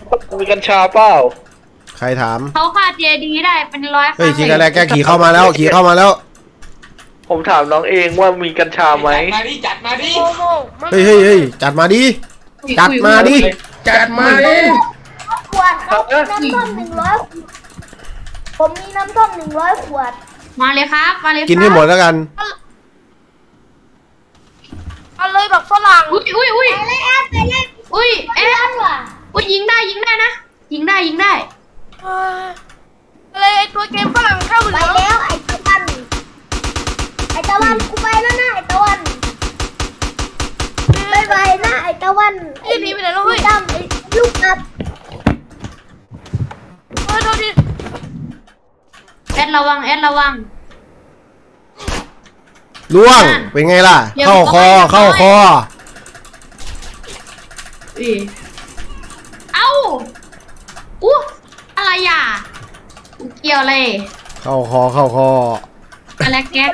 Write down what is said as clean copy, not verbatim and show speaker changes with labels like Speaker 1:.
Speaker 1: มีกัญชาเปล่า
Speaker 2: ใครถาม
Speaker 3: เขาฆ่าเจดีได้เป็นร้อยค
Speaker 2: เฮ้ย
Speaker 3: รั้ง
Speaker 2: ทีกันแรกแกขี่เข้ามาแล้วขี่เข้ามาแล้ว
Speaker 1: ผมถามน้องเองว่ามีกัญชาไหม
Speaker 4: จัดมาดิ
Speaker 5: โมโม
Speaker 2: เฮ้ยจัดมาดิจัดมาดิจัดมาดิ
Speaker 5: ขวดครับน้ำส้ม100ผมมีน้ำส้ม100 ขวด
Speaker 3: มาเลยครับมาเลยครับ
Speaker 2: กินให้หมดแล้วกัน
Speaker 5: เอาเลยแบบฝรั่ง
Speaker 3: อุ้ย
Speaker 5: ไปเลยแอดไปเลย
Speaker 3: อุ้ย
Speaker 5: เอ็ดว่ะ
Speaker 3: อุ้ยยิงได้นะยิงได้
Speaker 5: เลยไอตัวเกมฝรั่งเข้าไปแล้วไอตะวันกูไปแล้วนะไอตะวันบายบายนะไอตะวันไอ้นี่ไปไหนแล้วเฮ้ยดำไอลูกอับโทษดิ
Speaker 3: แอดระวัง
Speaker 2: ล่วงเป็นไงล่ะเข้าคอ
Speaker 3: เอ้าอู้อะไรอ่ะเกี่ยวอะไร
Speaker 2: เข้าคอ
Speaker 3: อะไรแก๊ส